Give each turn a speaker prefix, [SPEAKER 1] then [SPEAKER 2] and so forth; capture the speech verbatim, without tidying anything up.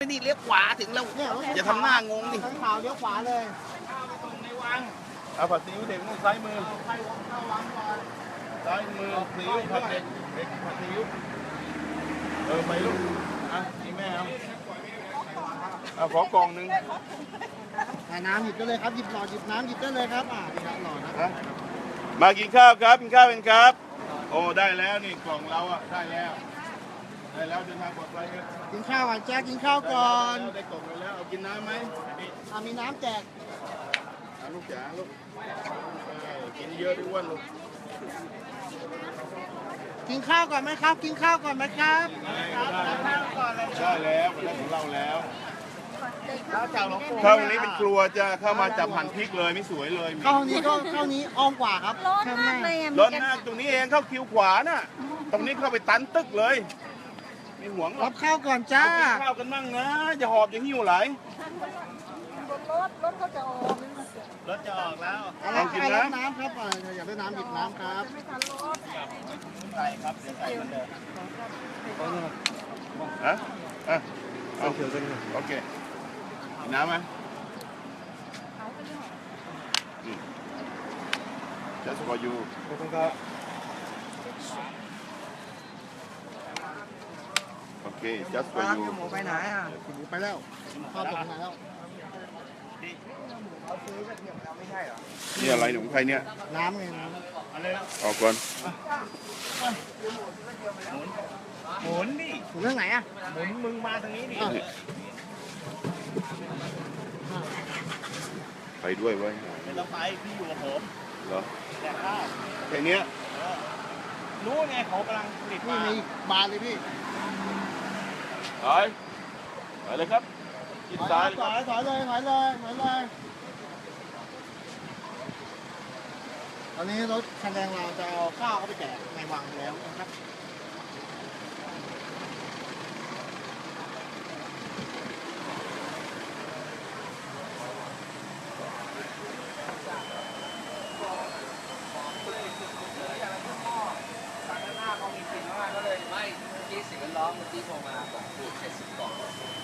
[SPEAKER 1] นี่เลี้ยวขวาถึงแล้ว
[SPEAKER 2] เนี่ย
[SPEAKER 1] อย่าทำหน้างงดิ
[SPEAKER 2] ทางขาวเลี้ยวขวาเลย
[SPEAKER 3] เอาผัดซีอิ๊วเด็กนู่นซ้ายมือซ้ายมือซีอิ๊วผัดเด็กเด็กผัดซีอิ๊วเออไปลูกอ่ะนี่แม่เอาเอาขอกล่องหนึ่ง
[SPEAKER 2] อ่าน้ำหยิบได้เลยครับหยิบหลอดหยิบน้ำหยิบได้เลยครับอ่านี่ครับหลอดนะ
[SPEAKER 3] ฮะมากินข้าวครับกินข้าวเป็นครับ โอ้ได้แล้วนี่กล่องเราอ่ะได้แล้วได้แล้วเดินทางปลอดภัยครับ
[SPEAKER 2] กินข้าวก่อนแจ๊คกินข้าวก่อน
[SPEAKER 3] ได้กล่องไปแล้วเอากินน้ำไหมนี่
[SPEAKER 2] อ่ามีน้ำแจก
[SPEAKER 3] เอาลูกจ๋าลูกเออกินเยอะด้วยอ้วนลูก
[SPEAKER 2] กินข้าวก่อนไหมครับ กินข้าวก่อนไหมครับ
[SPEAKER 3] ได้แล้วได้ของเราแล้ว
[SPEAKER 2] ข้าวจากหลวงปู่
[SPEAKER 3] เข้าตรงนี้เป็นครัวจะเข้ามาจับหั่นพริกเลยไม่สวยเลยมี
[SPEAKER 2] เข้านี้ก็เข้านี้อ้อมกว่าครับ
[SPEAKER 4] ร้อนมากเลยอ่ะ
[SPEAKER 3] รถหน้าตรงนี้เองเข้าคิวขวาน่ะ ตรงนี้เข้าไปตันตึกเลยไม่ห่วงหร
[SPEAKER 2] รั
[SPEAKER 3] อก
[SPEAKER 2] บข้าวก่อนจ้า
[SPEAKER 3] เอากินข้าวกันมั่งนะอย่าหอบอย่าหิ้วไหล
[SPEAKER 4] รถรถเขาจะออก
[SPEAKER 3] รถจะออกแล้ว
[SPEAKER 2] เอา
[SPEAKER 3] ลองกิน
[SPEAKER 2] ใคร
[SPEAKER 3] นะ
[SPEAKER 2] รับน้ำครับอ่าอยากได้น้ำหยิบน้ำครับ
[SPEAKER 3] ใส่ครับใส่เหมือนเดิมฮะอ่ะเอาเขียวกันโอเคกินน้ำไหมอืม just for you ขอบคุณครับโอเค just for you
[SPEAKER 2] หมูไปไหนอ่ะหมูไปแล้วข้าวตกไหนแล้ว
[SPEAKER 3] นี่อะไรหนุ่มใครเนี่ย
[SPEAKER 2] น้ำไงน้
[SPEAKER 3] ออกก่อน
[SPEAKER 1] หมุนดิ
[SPEAKER 2] ำถึงเรื่องไหนอ่ะ
[SPEAKER 1] หมุนมึงมาทางนี้ดิ
[SPEAKER 2] อ้าว
[SPEAKER 3] ไปด้วยไว้ย
[SPEAKER 1] ไม่ต้องไปพี่อยู่กับผม
[SPEAKER 3] เหรอ
[SPEAKER 1] แต่ข้าว
[SPEAKER 3] แค่เนี้ย
[SPEAKER 1] รู้ไงเขากำลังผลิต
[SPEAKER 2] นี่
[SPEAKER 1] มา
[SPEAKER 2] มีบานเลยพี่
[SPEAKER 3] ไปไปเลยครับกิน
[SPEAKER 2] ถ
[SPEAKER 3] ซ้า
[SPEAKER 2] อย ย
[SPEAKER 3] เลยครับ
[SPEAKER 2] ถอยเลยถอยเลยถอยเลยตอนนี้รถคันแดงเราจะเอาข้าวเข้าไปแจกในวังแล้วนะครับ
[SPEAKER 5] ไม่เมื่อกี้เสียงร้องเมื่อกี้โทรมาบอกถูกเจ็ดสิบกล่อง